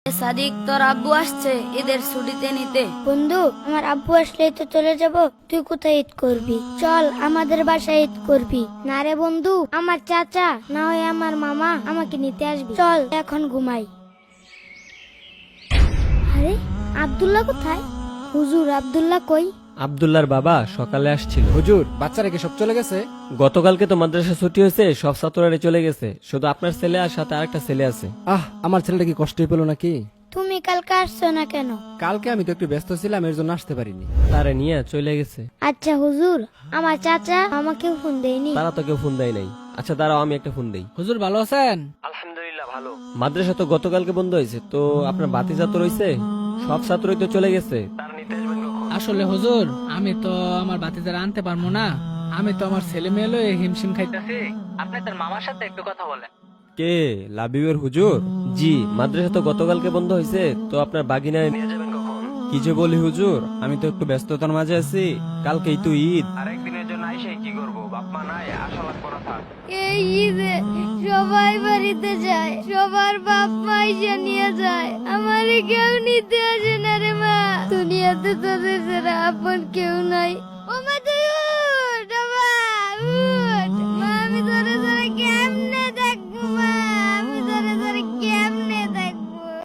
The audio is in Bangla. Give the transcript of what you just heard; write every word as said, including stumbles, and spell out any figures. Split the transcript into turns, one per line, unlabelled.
সাদিক, তোর আব্বু আসছে ঈদের ছুটিতে নিতে।
বন্ধু, আমার আব্বু আসলেই তো চলে যাব, তুই কোথায় ঈদ করবি? চল আমাদের বাসায় ঈদ করবি। না রে বন্ধু, আমার চাচা না হয় আমার মামা আমাকে নিতে আসবি। চল এখন ঘুমাই। আরে আব্দুল্লাহ কোথায়? হুজুর, আব্দুল্লাহ কই?
আব্দুল্লাহর বাবা সকালে আসছিল।
হুজুর, বাচ্চারা কি সব চলে গেছে?
গতকালকে তো মাদ্রাসা ছুটি হয়েছে, সব ছাত্ররা চলে গেছে, শুধু আপনার ছেলে আর সাথে আরেকটা ছেলে আছে।
আহ, আমার ছেলেটা কি কষ্টই পেলো নাকি?
তুমি কালকে আসছো না কেন?
কালকে আমি তো একটু ব্যস্ত ছিলাম, এর জন্য আসতে পারিনি।
তারে নিয়ে চলে গেছে।
আচ্ছা হুজুর, আমার চাচা আমাকেও ফোন দেয়নি।
তারা তো কেউ ফোন দেয় নাই। আচ্ছা দাঁড়াও, আমি একটা ফোন দেই।
হুজুর ভালো আছেন?
আলহামদুলিল্লাহ ভালো। মাদ্রাসা তো গতকালকে বন্ধ হয়েছে, তো আপনার বাতিজা তো রয়েছে, সব ছাত্রই তো চলে গেছে।
আসলে হুজুর, আমি তো আমার বাতিদার আনতে পারবো না। আমি তো আমার ছেলে মেয়ে লয়ে হিমশিম খাইতেছি। আপনি তার মামার সাথে একটু কথা বলেন।
কে, লাবিবের হুজুর? জি, মাদ্রাসা তো গতকালকে বন্ধ হয়েছে, তো আপনার বাগিনায় নিয়ে যাবেন কখন?
কি যে বলি হুজুর, আমি তো একটু ব্যস্ততার মাঝে আছি, কালকেই তো ঈদ।
আরেকদিনের জন্য আইসে কি করবো, বাপ মা নাই, আশা লাগ করা থাক।
এই ঈদে সবাই বাড়িতে যায়, সবার বাপ মা এসে নিয়ে যায়, আমারে কেউ নিতে আসে না রে মা। দুনিয়াতে তোদের ছাড়া আপন কেউ নাই। ও মা,